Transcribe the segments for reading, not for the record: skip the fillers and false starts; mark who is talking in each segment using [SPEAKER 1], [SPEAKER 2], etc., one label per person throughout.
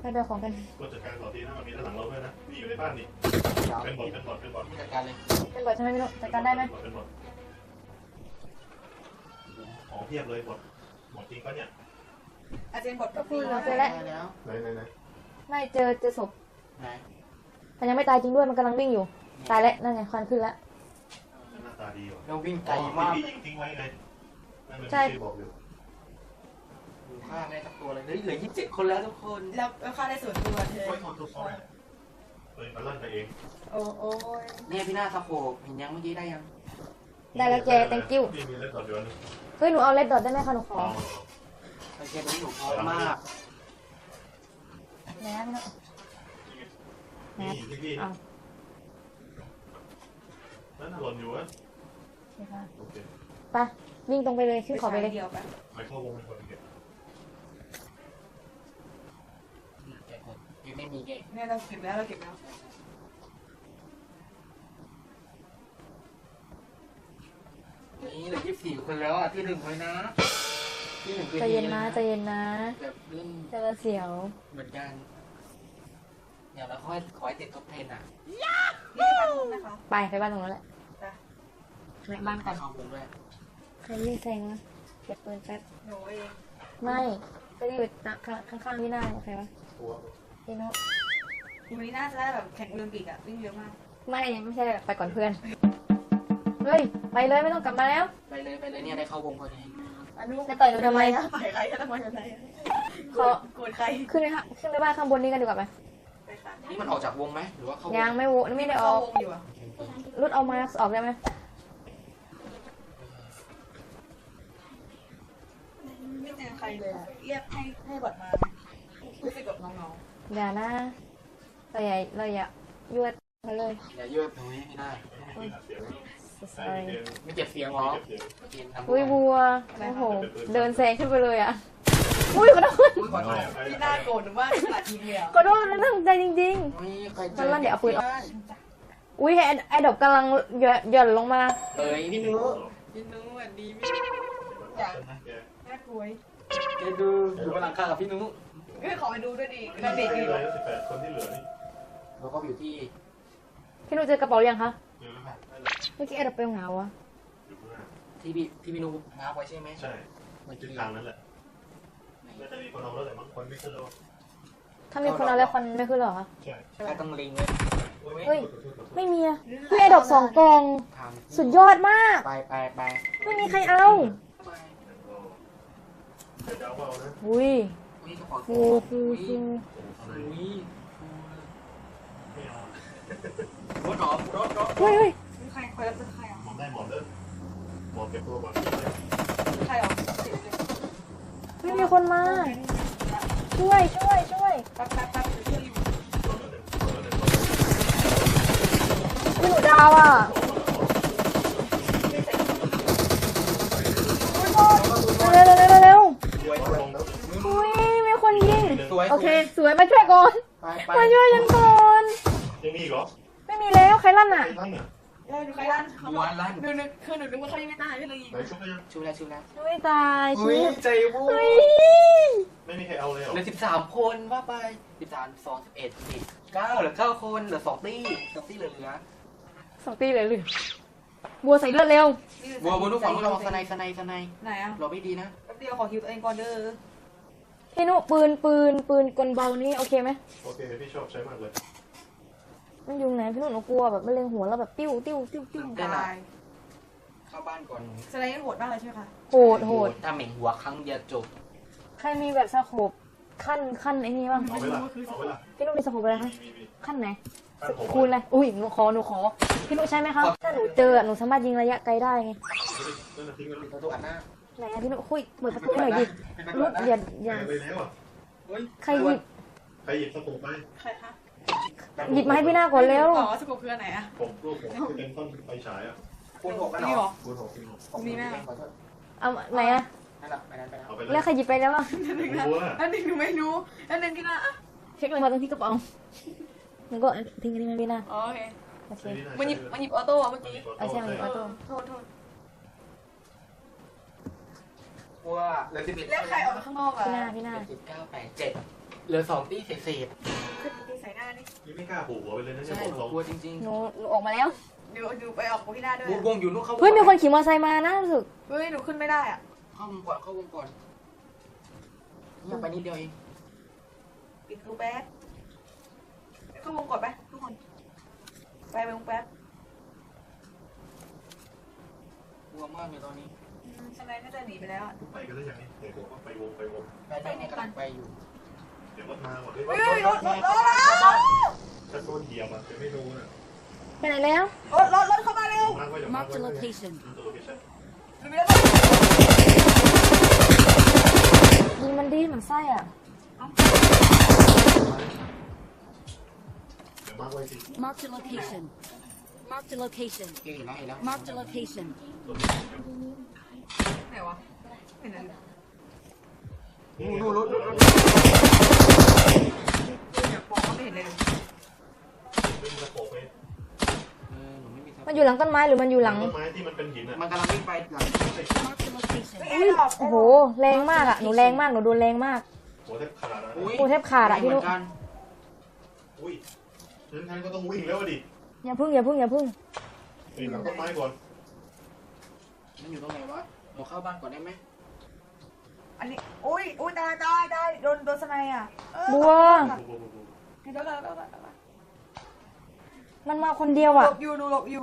[SPEAKER 1] ไปของกัน
[SPEAKER 2] ก็จัดการต่อทีนะมันมีด้านหลังเราด้วยนะนี่อยู่ในบ้านนี่เป็นบอด
[SPEAKER 3] จัดการเลย
[SPEAKER 1] เป็นบทใช่ไหมพี่นุจัดการได้ไหม
[SPEAKER 2] เป็นบอดของเทียบเลยบอดจริงปะเนี่ย
[SPEAKER 4] อาจารย์บท
[SPEAKER 1] ก็คือเราเจอแล้ว
[SPEAKER 2] ไหน
[SPEAKER 1] ไม่เจอศพแต่ยังไม่ตายจริงด้วยมันกำลังวิ่งอยู่ตายแล้วนั่นไงควันขึ้นแล้ว
[SPEAKER 2] หน้าตาดีว่ะ
[SPEAKER 3] เราวิ่งไกลมาก
[SPEAKER 2] ยิงทิ้งไว้ไง
[SPEAKER 1] ใช่
[SPEAKER 2] บอกอยู่
[SPEAKER 3] ฆ่าได้สักตัวเลยเหลือ27 คนแล้วทุกคน
[SPEAKER 4] แล้วฆ่าได้ส่วนตัวเธอ
[SPEAKER 2] ทุกคนเลยมันลั่นไปเอง
[SPEAKER 4] โอ้ย
[SPEAKER 3] เนี่ยพี่หน้าสะโพกเห็นยังเมื่อกี้ได้ยัง
[SPEAKER 1] ได้แล้วเจ thank you เฮ้ยหนูเอาเลดดอทได้ไหมคะหนูขอ
[SPEAKER 3] โอเคตรงนี้หนูพร้อมมาก
[SPEAKER 1] แหนพี่นุแหนเอา
[SPEAKER 2] นั่นหล่นอยู่อะ
[SPEAKER 1] ไปวิ่งตรงไปเลยขึ้นขอไปเลย
[SPEAKER 2] ไม่เข้าวงเป็นคนเก็บ
[SPEAKER 3] ยังไม่มีเกม
[SPEAKER 4] เนี่ยเราเก็บแล้ว
[SPEAKER 3] นี่เหลือ24 คนแล้วอ่ะที่1เลยนะที่1คือ
[SPEAKER 1] ใจเย็นนะ
[SPEAKER 3] แบบเรื่อง
[SPEAKER 1] จะเสียว
[SPEAKER 3] เหมือนกันเดี๋ยวเราขอให้ติดท็อป10อ่ะ
[SPEAKER 1] ไปบ้านตรงนั้นแหละไปบ้านก่อนใครยิงแซงนะเก็บปืนแป๊บ
[SPEAKER 4] หนูเอง
[SPEAKER 1] ไม่ก็อยู่ข้างๆพี่หน้าใครวะพี่นุ
[SPEAKER 4] วันนี้น่าจะได้แบบแข่งโอลิมปิกอะวิ่งเยอะมาก
[SPEAKER 1] ไม่ใช่ไปก่อนเพื่อนเฮ้ยไปเลยไม่ต้องกลับมาแล้ว
[SPEAKER 3] ไปเลยเนี่ยได้เข้าวงพอดี
[SPEAKER 1] จะต่อยหนูทำไม
[SPEAKER 4] ไปใครทำไม
[SPEAKER 1] ขอโกรธใครขึ้นไปบ้านข้างบนนี้กันดีกว่าไหม
[SPEAKER 3] นี่มันออกจากวงไหมหรือว่าเข้าวง
[SPEAKER 1] ยังไม่ได้ออกรุดเอามาออกได้ไหม
[SPEAKER 4] ไม่เจอใครเลยเรียกให้บทมารู้สึกกับน้อง
[SPEAKER 1] ๆอย่านะเราอย่ายวดมาเลย
[SPEAKER 3] อย่ายวดตรงนี้ไม่ได้ไม่เก็บเสียงหรอ
[SPEAKER 1] อุ้ยบัวโอ้โหเดินแซงขึ้นไปเลยอ่ะอุ้ยขอโทษ
[SPEAKER 4] พี่น่าโกรธหรือว่าหลายทีเดียว
[SPEAKER 1] ขอโทษนะตั้งใจจริงๆมันลั่นเดี๋ยวเอาปืนออกอุ้ยไอ้ดอกกำลังหย่อนลงมา
[SPEAKER 3] พี่นุ
[SPEAKER 4] สวัสดีพี่อยากน่ากลัว
[SPEAKER 3] จะดูบนหลังคากับพี่นุ
[SPEAKER 4] ขอไปดูด้วยดิมันเด็กดีเลย
[SPEAKER 2] 18 คนที่เหลือนี่
[SPEAKER 3] เราก็อยู่ที่
[SPEAKER 1] พี่นุเจอกระเป๋ายังคะเมื่อกี้ไอ้ดอกเป็นเหงาอะ
[SPEAKER 3] ที่พี่นุง้าไว้ใช่ไหม
[SPEAKER 2] ใช่มันจุดทางนั้นแหละไม่จะมีคนเอาแล้วแต่บางคนไม่ขึ้นแล้ว
[SPEAKER 1] ถ้ามีคนเอาแล้วคนไม่ขึ้นหรอคะ
[SPEAKER 2] ใช่
[SPEAKER 3] ใครต้องลิงเลย
[SPEAKER 1] เฮ้ยไม่มีอะพี่ไอ้ดอก2 กองสุดยอดมาก
[SPEAKER 3] ไป
[SPEAKER 1] ไม่มีใครเอาอุ้ยฟู
[SPEAKER 3] รถ
[SPEAKER 1] เฮ้ย
[SPEAKER 4] ใครรับเป็นใครอ่ะ
[SPEAKER 2] หมอได้หมอเด้อหมอเก็บตัวก่อน
[SPEAKER 4] ใครอ่ะ
[SPEAKER 1] ไม่มีคนมาช่วย
[SPEAKER 4] แป๊บ
[SPEAKER 1] พี่หนูดาวอ่ะเร็วอุ้ยมีคนยิงโอเคสวยมาช่วยก่อนมาช่วยฉันก่อน
[SPEAKER 2] ยังมีอีกเหรอ
[SPEAKER 1] ไม่มีแล้วใครลั่นอ่ะ
[SPEAKER 4] ใครลั่น
[SPEAKER 3] เขาบอก
[SPEAKER 4] ลั่นคือหนูนึกว่าเขายังไม่ตายก็เลยยิง
[SPEAKER 3] ชุบแล้ว
[SPEAKER 1] ไม่ตาย
[SPEAKER 3] ใจบู๊
[SPEAKER 2] ไม่มีใครเอาเลยเหรอ
[SPEAKER 3] เหลือ13 คนว่าไป13 2 11 10 9เหลือ9 คนเหลือ2 ตี้เหลือ
[SPEAKER 1] 2 ตีเลยบัวใส่เลือดเร็ว
[SPEAKER 3] บัวทุกฝั่งเราสไน
[SPEAKER 4] ไหนอ่ะ
[SPEAKER 3] เราไม่ดีนะ
[SPEAKER 4] แป๊บเดียวขอคิวตัวเองก่อนเด้อ
[SPEAKER 1] พี่นุปืนกลเบานี่โอเคไหม
[SPEAKER 2] โอเคพี่ชอบใช้มากเลย
[SPEAKER 1] มันอยู่ไหนพี่นุหนูกลัวแบบมันเล็งหัวแล้วแบบติ้ว
[SPEAKER 3] ได้เข้าบ้านก่อน
[SPEAKER 4] แสดงว่าโหดมากเลยใช่ไหมคะ
[SPEAKER 1] โหด
[SPEAKER 3] ถ้าเหม่งหัวครั้งเดียวจบ
[SPEAKER 1] ใครมีแบบสโคปขั้นไอ้นี่บ้างพี่นุมีสโคปอะไรคะขั้นไหนคูณอะไรอุ้ยหนูขอพี่นุใช่ไหมคะถ้าหนูเจอหนูสามารถยิงระยะไกลได้ไงไหนพี่นุคุยเปิดประตูหน่อยดิลุกอย่าใครห
[SPEAKER 2] ยิบสโคปไป
[SPEAKER 4] ใครคะ
[SPEAKER 1] หยิบมาให้พี่หน้าก่อนเร็ว
[SPEAKER 4] สโคปคืออันไหนอะ
[SPEAKER 2] ผมเป็นต้นไฟฉายอะ
[SPEAKER 3] คูณ 6กันหรอ
[SPEAKER 2] คูณ 6
[SPEAKER 4] มีแม่
[SPEAKER 1] เอาไหนอะแล้วใครหยิบไปแล้วอ่ะ
[SPEAKER 4] อันนึงหนูไม่รู้อันนึงพี่หน้า
[SPEAKER 1] เช็คเลยมาตรงที่กระเป๋ามันก็ทิ้งกันที่มันพี่หน้า
[SPEAKER 4] โอเคมันหยิบออโต้เมื่อกี้
[SPEAKER 1] ใช่มันหยิบออโต้
[SPEAKER 4] โทษ
[SPEAKER 3] ว่าเหลือ11
[SPEAKER 4] แล้วใครออกมาข้างนอกอ่ะ
[SPEAKER 1] พี่หน้า
[SPEAKER 3] 19 8 7 เหลือ2ตีเศษ
[SPEAKER 4] ขึ้นตีใส่หน้านี่
[SPEAKER 2] นี่ไม่กล้าผูกหัวไปเลยนะ
[SPEAKER 3] ๆ
[SPEAKER 2] เนี่ย
[SPEAKER 3] ใช่
[SPEAKER 2] ผม
[SPEAKER 3] หนู
[SPEAKER 2] ลอง
[SPEAKER 3] กลัวจริง
[SPEAKER 1] หนูออกมาแล้ว
[SPEAKER 4] เดี๋ยวดูไปออกที่หน้าด้วย
[SPEAKER 3] ๆวงอยู่นู่นเข้าวง
[SPEAKER 1] เฮ้ยมีคนขี่มอเตอร์ไซค์มานะรู้สึก
[SPEAKER 4] เฮ้ยหนูขึ้นไม่ได้อ่ะ
[SPEAKER 3] เข้าวงก่อนเข้าวงก่อนยังไปนิดเดียวเอง
[SPEAKER 4] ปิดรูแป๊บเข้าวงก่อนไปทุกคนไปวงแป๊บ
[SPEAKER 3] กลัวมากเลยตอนนี้
[SPEAKER 4] สไนน่าจะหนีไปแล้วอ่ะ
[SPEAKER 2] ไปกันได้ยังไงเดี๋ยวผมว่าไปวง
[SPEAKER 3] ไปกำลังไปอยู่
[SPEAKER 2] เดี๋ยวรถมาหมดเลย
[SPEAKER 4] เฮ้ยรถ
[SPEAKER 2] ถ้าโดนเหยียบอ่ะจะไม่รู้นะ
[SPEAKER 1] ไปไหนแล้ว
[SPEAKER 4] รถเข้ามาเร็ว
[SPEAKER 2] มากไว้เดี๋ยวมาก
[SPEAKER 5] Marked
[SPEAKER 2] ไว้
[SPEAKER 5] a location.
[SPEAKER 2] โลเคชั่น
[SPEAKER 4] มีแล้ว
[SPEAKER 1] ยิงมันดีมันไส้อ่ะ
[SPEAKER 2] เดี๋ยวมากไว้สิ
[SPEAKER 5] Marked a location. Marked a location.
[SPEAKER 3] เห็นแล้ว
[SPEAKER 5] Marked a location.
[SPEAKER 4] ไหนวะเห็นอะไร
[SPEAKER 3] นู่นรถ
[SPEAKER 4] อยากบอกว่าไม่เห็นเลย
[SPEAKER 2] ไม่มีตะโขบเลย
[SPEAKER 3] หนูไม่มี
[SPEAKER 1] มันอยู่หลังต้นไม้หรือมันอยู่หลัง
[SPEAKER 2] ต้นไม้ที่มันเป็นหินอ่ะ
[SPEAKER 3] มันกำลังวิ่งไปหลัง
[SPEAKER 5] Marked a location.
[SPEAKER 1] โอ้โหแรงมากอ่ะหนูแรงมากหนูโดนแรงมาก
[SPEAKER 2] หัวแทบขาดแล้ว
[SPEAKER 1] โอ้แทบขาดอะพี่นุ๊ก
[SPEAKER 3] เหมือนกัน
[SPEAKER 2] อุ้ยงั้นก็ต้องวิ่งแล้วดิ
[SPEAKER 1] อย่าพึ่งอย่าพึ่งอย่าพึ่ง
[SPEAKER 2] ปีนหลังต้นไม้ก่อน
[SPEAKER 3] มันอยู่ตรงไหนวะหนูเข้าบ้านก่อนได้ไหม
[SPEAKER 4] อันนี้อุ้ยตายโดนสไนอ่ะ
[SPEAKER 1] บัว
[SPEAKER 4] เดี๋ยว
[SPEAKER 1] มันมาคนเดียว
[SPEAKER 4] หล
[SPEAKER 1] อ่ะ
[SPEAKER 4] บอยู่หนูหลบอยู่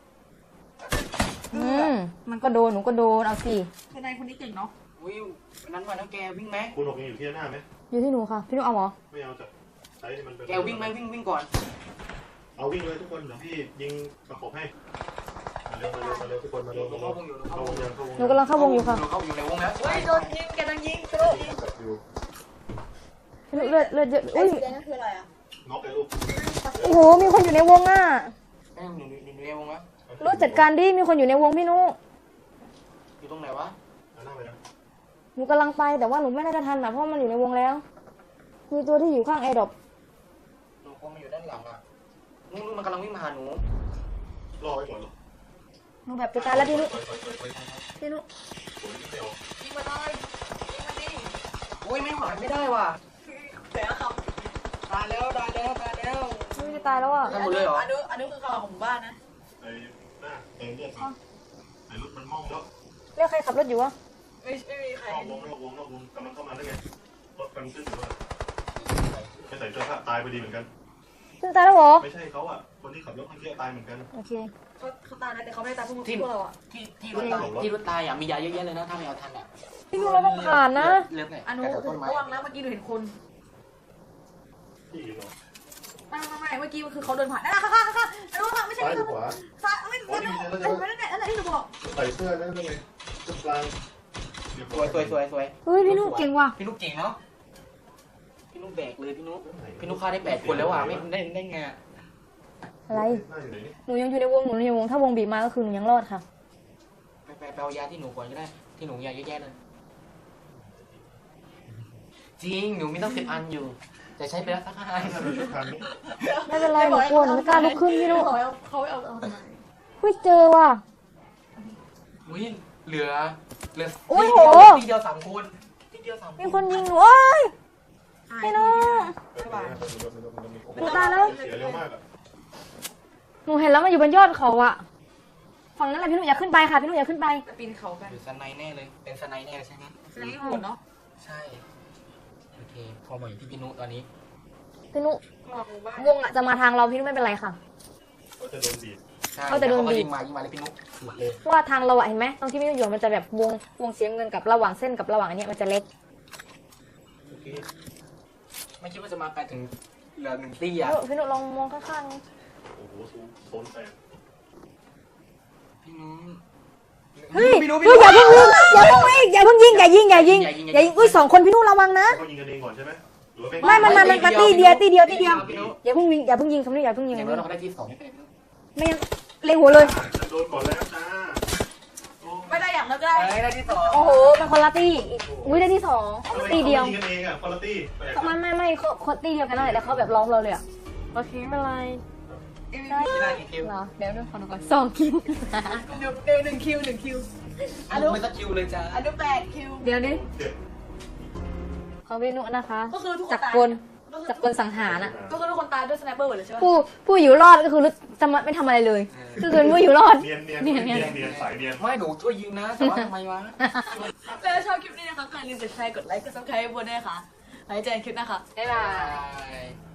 [SPEAKER 1] มันก็โดนหนูก็โดนเอาสิ
[SPEAKER 4] สไนคนนี้เก่งเนาะ
[SPEAKER 3] อุ้ยวันนั้นวันนั้นแกวิ่งไหม
[SPEAKER 2] คุณหกยังอยู่ที่หน้าไหม
[SPEAKER 1] อยู่ที่หนูค่ะพี่นุ๊กเอาเหรอ
[SPEAKER 2] ไม่เอาจ้ะใช้ที่มันเป็น
[SPEAKER 3] แกวิ่งไหมวิ่งก่อน
[SPEAKER 2] เอาวิ่งเลยทุกคนเดี๋ยวพี่ยิงตะโขบให้มาเร็วทุกคนมาเร็ว
[SPEAKER 3] หนูเข้าวงอยู่
[SPEAKER 2] เข้าวงยังเข้าวง
[SPEAKER 1] หนูกำลังเข้าวงอยู่ค่ะ
[SPEAKER 3] หนูเข้าอยู่ในวงแล้ว
[SPEAKER 4] เฮ้ยโดนยิงแกโดนยิงกระโดดยิง
[SPEAKER 2] อยู่
[SPEAKER 1] พี่นุ๊กเลือดเยอะอุ้ย
[SPEAKER 4] สีแดงนั่นคืออะไรอ่ะ
[SPEAKER 2] น็อกเลยลูก
[SPEAKER 1] โอ้โหมีคนอยู่ในวงอ่ะ
[SPEAKER 3] แม่หนูในวงแล้ว
[SPEAKER 1] รถจัดการดิมีคนอยู่ในวงพี่นุ๊ก
[SPEAKER 3] อยู่ตรงไหนวะ
[SPEAKER 2] เอาหน้าไปนะ
[SPEAKER 1] หนูกำลังไปแต่ว่าหนูไม่ได้จะทันอ่ะเพราะมันอยู่ในวงแล้ว มีตัวที่อยู่ข้างแอร์ดรอป
[SPEAKER 3] หนูคงมาอยู่ด้านหลังอ่ะนู่นมันกำลังวิ่งมาหาหนู
[SPEAKER 2] รอไว้ก่อนหรอ
[SPEAKER 1] หนูแบบจะตายแล้วพี่นุ๊ก
[SPEAKER 2] ไป
[SPEAKER 1] พี่นุ๊ก
[SPEAKER 2] สวนไม่ออก
[SPEAKER 4] ยิงมาเลยยิงมาดิ
[SPEAKER 3] อุ้ยไม่ไหวไม่ได้ว่ะ
[SPEAKER 4] เสียครับ
[SPEAKER 3] ตายแล้ว
[SPEAKER 1] ไม่จะตายแล้วอ่ะ
[SPEAKER 3] ทำหมดเลยเหรอ
[SPEAKER 4] อันนี้คือข่าวของหมู่บ้านนะ
[SPEAKER 2] ไอ้หน้าเต็มเลือดไอ้รถมันมองแล้ว
[SPEAKER 1] เรียกใครขับรถอยู่วะ
[SPEAKER 4] ไม่มีใคร
[SPEAKER 2] นอกวงกำลังเข้ามาได้ไงรถกันขึ้นอยู่ว่าไม่ใส่เสื้อผ้าตายไปดีเหมือนกัน
[SPEAKER 1] ซึ่งตายแล้วเหรอ
[SPEAKER 2] ไม่ใช่เขาอ่ะคนที่ขับรถเมื่อกี้ตายเหมือนกัน
[SPEAKER 1] โอเค
[SPEAKER 4] เขาตายแล้วแต่เขาไม่ได้ตายพวกเราอ่ะ
[SPEAKER 3] ที่รถตายอ่ะมียาเยอะแยะเลยนะถ้าไม่เอาทันอ่ะ
[SPEAKER 1] พี่นุ๊กเราต้องผ่านนะ
[SPEAKER 3] เลือดไหน
[SPEAKER 4] อนุ
[SPEAKER 3] ต้นไม้
[SPEAKER 4] ระวังนะเมื่อกี้หนูเห็นคน
[SPEAKER 2] ที่เหรอ
[SPEAKER 4] ไม่เมื่อกี้คือเขาเดินผ่านนั่นแหละค่ะอนุค่ะไม่ใช่
[SPEAKER 2] ซ้ายหรือขวา
[SPEAKER 4] ซ้ายไม่ใช่นั่นแหละที่หนูบอก
[SPEAKER 2] ใส่เสื้อนั่นเลยจุดกลาง
[SPEAKER 3] สวย
[SPEAKER 1] เฮ้ยพี่นุ๊กเก่งว่ะ
[SPEAKER 3] พี่นุ๊กเก่งเนาะพี่นุ๊กแบกเลยพี่นุ๊กฆ่าได้8 คนแล้วอ่ะไม่ได้ไง
[SPEAKER 1] อะไร
[SPEAKER 2] หน้าอยู่ไหนนี่
[SPEAKER 1] หนูยังอยู่ในวงหนูอยู่ในวงถ้าวงบีบมาก็คือหนูยังรอดค่ะ
[SPEAKER 3] ไปเอายาที่หนูก่อนก็ได้ที่หนูยาเยอะแยะเลยจริงหนูมีตั้ง10 อันอยู่แต่ใช้ไปแล้วสัก5 อัน
[SPEAKER 2] ชุดกลางนี้
[SPEAKER 1] ไม่เป็นไรหนูกลัวหนูไม่กล้าลุกขึ้นพี่นุ๊ก
[SPEAKER 4] เขาเอาทำไม
[SPEAKER 1] เฮ้ยเจอว่ะ
[SPEAKER 3] อุ้ยเหลือ
[SPEAKER 1] โอ้ยโห
[SPEAKER 3] ทีเดียว3 คนทีเดียว3
[SPEAKER 1] มีคนยิงหนูโอ้ยพี่นุ๊ก
[SPEAKER 2] หนูตายแล้วเสียเร็วมากอ่ะ
[SPEAKER 1] หนูเห็นแล้วมันอยู่บนยอดเขาอะฝั่งนั้นแหละพี่นุ๊กอย่าขึ้นไปค่ะพี่นุ๊กอย่าขึ้นไป
[SPEAKER 4] จะปีนเขากัน
[SPEAKER 3] หรือสไนแน่เลยเป็นสไนแน่เลยใช่ไหม
[SPEAKER 4] สไนโหดเนาะ
[SPEAKER 3] ใช่โอเคพอมาอยู่ที่พี่นุตอนนี้
[SPEAKER 1] พี่นุ๊ก
[SPEAKER 4] บอกหมู่บ้าน
[SPEAKER 1] วงอะจะมาทางเราพี่นุ๊กไม่เป็นไรค่ะ
[SPEAKER 2] ก็จะโดนบีบ
[SPEAKER 3] ใช่
[SPEAKER 1] เขาจะโดนบีบ
[SPEAKER 3] ยิงมาเลยพี่นุหมดเลย
[SPEAKER 1] เพราะว่าทางเราอะเห็นไหมตรงที่พี่นุ๊กอยู่มันจะแบบวงเสียเงินกับระหว่างเส้นกับระหว่างอันเนี้ยมันจะเล็ก
[SPEAKER 2] โอเค
[SPEAKER 3] ไม่คิดว่าจะมาไกลถึงเหลือ1 ตี้อ่ะ
[SPEAKER 1] พี่นุ๊กลองมองข้าง
[SPEAKER 2] โอ้โหโซนแตก
[SPEAKER 3] พี่นุ
[SPEAKER 1] ๆเฮ้ยเฮ้ยอย่าเพิ่งยิงอย่าเพิ่งยิงอย่ายิงอุ้ย2 คนพี่นุ๊กระวังนะ
[SPEAKER 2] เขายิงกันเองก่อนใช่ไหมหรือว่า
[SPEAKER 1] ไม่มันมาตีเดียว
[SPEAKER 3] พี่นุ
[SPEAKER 1] อย่าเพิ่งยิงคำนี้อย่าเพิ่งยิง
[SPEAKER 3] อย่างน้อยเราก็ได้ที่2
[SPEAKER 1] ไม่งั้นเล็งหัวเลย
[SPEAKER 2] จะโดนก่อนแล้วจ้า
[SPEAKER 4] ไม่ได้อย่างนั้นก็ได้
[SPEAKER 3] ได้ที่2
[SPEAKER 1] โอ้โหเป็นคนละตีอุ้ยได้ที่2ตีเดียว
[SPEAKER 2] ยิงกันเองอ่ะคนละตี
[SPEAKER 1] ไม่เขาตีเดียวกันนั่นแหละแต่เขาแบบล้อมเราเลยอะโอเคไม่เป็นไร
[SPEAKER 3] ได้กี่คิว
[SPEAKER 1] เหรอเดี๋ยวดูขอดูก่อน2 คิว
[SPEAKER 4] เดี๋ยว1 คิว
[SPEAKER 3] ไม่สักคิวเลยจ้า
[SPEAKER 4] อนุ8 คิว
[SPEAKER 1] เดี๋ยวนี้
[SPEAKER 2] เจ็บ
[SPEAKER 1] ของพี่นุนะคะ
[SPEAKER 4] ก็คือทุกคน
[SPEAKER 1] จาก
[SPEAKER 4] ตาย
[SPEAKER 1] คน
[SPEAKER 4] ก็คือ
[SPEAKER 1] จากคนสังหารอ่ะ
[SPEAKER 4] ก็คือทุกคนตายด้วยสไนเปอร์หมดเลยใช่ไหม
[SPEAKER 1] ผู้อยู่รอดก็คือสมัไม่ทำอะไรเลย ก็คือผู้อยู่รอด
[SPEAKER 2] เนียนเนียน
[SPEAKER 1] เนี
[SPEAKER 2] เนี
[SPEAKER 1] ย
[SPEAKER 2] ย
[SPEAKER 1] น
[SPEAKER 2] นเนียนสายเนียน
[SPEAKER 3] ไม่หนูช่วยยิงนะ แต่ว่าทำไมวะ
[SPEAKER 4] แล้วชอบคลิปนี้นะคะใครลืมกดแชร์กดไลค์กดซับสไครต์บนด้วยค่ะไว้เจอกันคลิปหน้าค่ะบ๊ายบาย
[SPEAKER 3] Bye.